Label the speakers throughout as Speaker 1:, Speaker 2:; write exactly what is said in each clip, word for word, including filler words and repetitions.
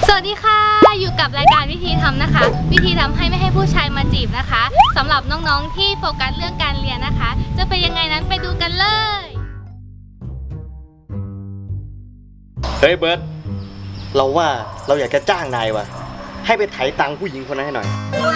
Speaker 1: สวัสดีค่ะอยู่กับรายการวิธีทำนะคะวิธีทำให้ไม่ให้ผู้ชายมาจีบนะคะสำหรับน้องๆที่โฟกัสเรื่องการเรียนนะคะจะเป็นยังไงนั้นไปดูกันเลย
Speaker 2: เฮ้ยเบิร์ตเราว่าเราอยากจะจ้างนายว่ะให้ไปไถตังผู้หญิงคนนั้นให้หน่อย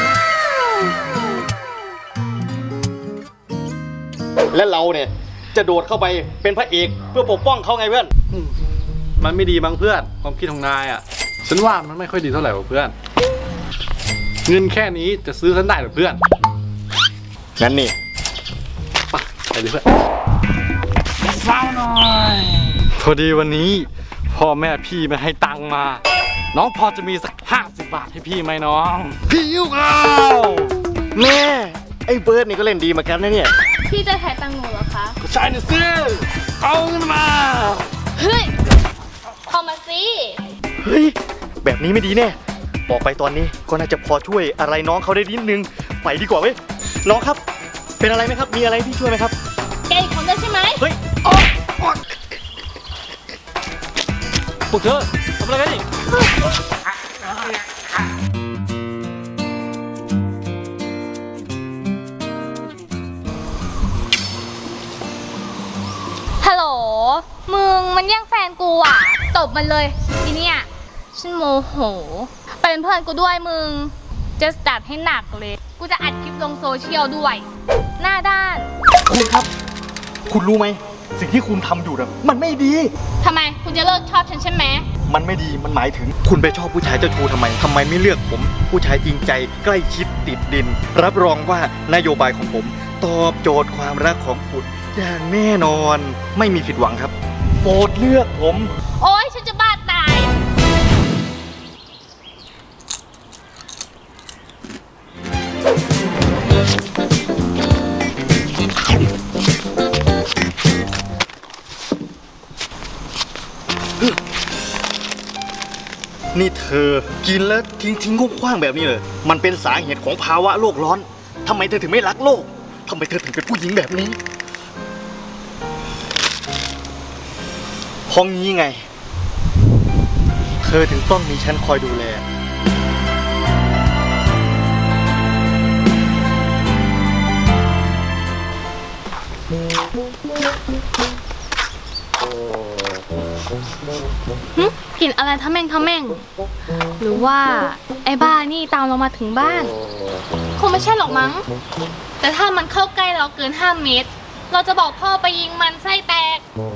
Speaker 2: และเราเนี่ยจะโดดเข้าไปเป็นพระเอกเพื่อปกป้องเขาไงเพื่อน
Speaker 3: มันไม่ดีมั้งเพื่อนความคิดของนายอ่ะฉันว่ามันไม่ค่อยดีเท่าไหร่ว่ะเพื่อนเงินแค่นี้จะซื้อฉันได้หรือเพื่อน
Speaker 2: งั้นนี่
Speaker 3: ไปไปเลยเพื่อนเศร้าหน่อยพอดีวันนี้พ่อแม่พี่ไม่ให้ตังค์มาน้องพอจะมีสักห้าสิบบาทให้พี่ไหมน้อง
Speaker 2: พี่ยุ่งเอาแม่ไอ้เบิร์ดนี่ก็เล่นดีเหมือนกันนะเนี่ย
Speaker 1: พี่จะถ่ายตังหนูเหรอคะ
Speaker 3: ก็ใช่นะซิเอาเงินมา
Speaker 1: เฮ้ยเอามาสิ
Speaker 2: เฮ้ยแบบนี้ไม่ดีแน่บอกไปตอนนี้ก็น่าจะพอช่วยอะไรน้องเขาได้นิดนึงไปดีกว่าเว้ยน้องครับเป็นอะไรไหมครับมีอะไรที่ช่วยไหมครับ
Speaker 1: แกอีกคนได้ใช่ไหม
Speaker 2: เฮ้ยออกออก
Speaker 3: พวกเธอทำอะไรกันนี่
Speaker 1: ฮัลโหลมึงมันแย่งแฟนกูอ่ะตบมันเลยทีเนี้ยฉันโมโหไปเป็นเพื่อนกูด้วยมึงจะจัดให้หนักเลยกูจะอัดคลิปลงโซเชียลด้วยหน้าด้าน
Speaker 2: คุณครับคุณรู้ไหมสิ่งที่คุณทำอยู่น่ะมันไม่ดี
Speaker 1: ทำไมคุณจะเลิกชอบฉันใช่ไหม
Speaker 2: มันไม่ดีมันหมายถึงคุณไปชอบผู้ชายเจ้าชู้ทำไมทำไมไม่เลือกผมผู้ชายจริงใจใกล้ชิดติดดินรับรองว่านโยบายของผมตอบโจทย์ความรักของคุณอย่างแน่นอนไม่มีผิดหวังครับโปรดเลือกผม
Speaker 1: โอ๊ยฉันจะบ้าตาย
Speaker 2: นี่เธอกินแล้วทิ้งทิ้งคว้างแบบนี้เลยมันเป็นสาเหตุของภาวะโลกร้อนทำไมเธอถึงไม่รักโลกทำไมเธอถึงเป็นผู้หญิงแบบนี้เพราะงี้ไงเธอถึงต้องมีฉันคอยดูแล
Speaker 1: กลิ่นอะไรทะแม่งทะแม่งหรือว่าไอ้บ้านี่ตามเรามาถึงบ้านคงไม่ใช่หรอกมั้งแต่ถ้ามันเข้าใกล้เราเกินห้าเมตรเราจะบอกพ่อไปยิงมันไส้แตก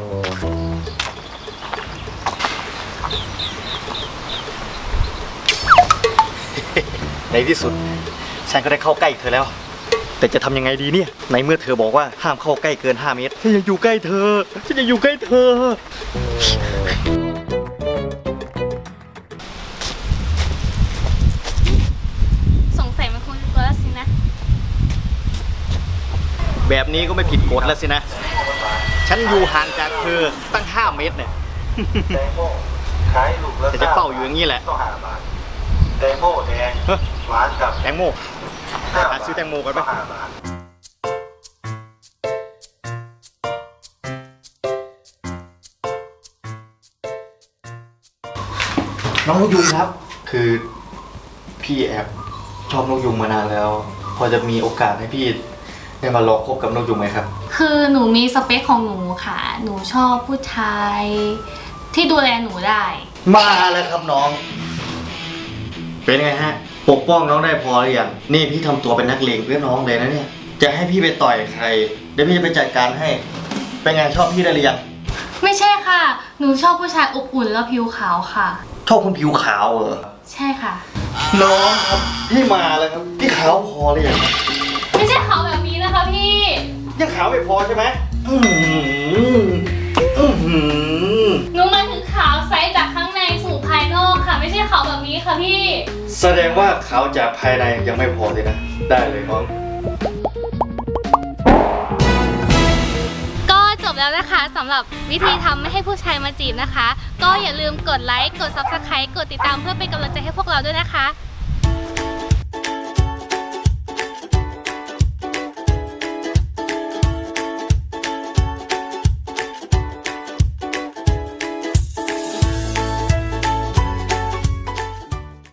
Speaker 2: ในที่สุดฉันก็ได้เข้าใกล้เธอแล้วแต่จะทำยังไงดีเนี่ยในเมื่อเธอบอกว่าห้ามเข้าใกล้เกินห้าเมตรฉันอยากอยู่ใกล้เธอฉันอยากอยู่ใกล้เธอ
Speaker 1: สงสัยมันคงจะตัวแล้วสินะ
Speaker 2: แบบนี้ก็ไม่ผิดกฎแล้วสินะฉันอยู่ห่างจากเธอตั้งห้าเมตรเนี่ยแต่จะเฝ้าอยู่อย่างนี้แหละ
Speaker 4: แตงโมแดงหวานกับ
Speaker 2: แตงโมหาซื้อแตงโมกันไหมน้องนกยุงครับคือพี่แอบชอบนกยุงมานานแล้วพอจะมีโอกาสให้พี่ได้มาลองคบกับนกยุงไหมครับ
Speaker 1: คือหนูมีสเปคของหนูค่ะหนูชอบผู้ชายที่ดูแลหนูได้
Speaker 2: มาแล้วครับน้องเป็นไงฮะปกป้องน้องได้พอหรือยังนี่พี่ทำตัวเป็นนักเลงเพื่อน้องเลยนะเนี่ยจะให้พี่ไปต่อยใครเดี๋ยวพี่จะไปจัดการให้เป็นไงชอบพี่ได้หรือยัง
Speaker 1: ไม่ใช่ค่ะหนูชอบผู้ชายอบอุ่นแล้วผิวขาวค่ะ
Speaker 2: ชอบคนผิวขาวเหรอ
Speaker 1: ใช่ค่ะ
Speaker 2: น้องครับพี่มาแล้วครับพี่ขาวพอหรือยัง
Speaker 1: ไม่ใช่ขาวแบบนี้นะคะพี่
Speaker 2: ยังขาวไม่พอใช่ไหมอืมอืม
Speaker 1: หนูมาถึงขาวใสจากข้างในสู่ภายนอกค่ะไม่ใช่ขาวแบบนี้ค่ะพี่
Speaker 2: แสดงว่าขาวจากภายในยังไม่พอเลยนะได้เลยน้อง
Speaker 1: ก็จบแล้วนะคะสำหรับวิธีทำไม่ให้ผู้ชายมาจีบนะคะก็อย่าลืมกดไลค์กด ซับสไครบ์ กดติดตามเพื่อเป็นกำลังใจให้พวกเราด้วยนะคะ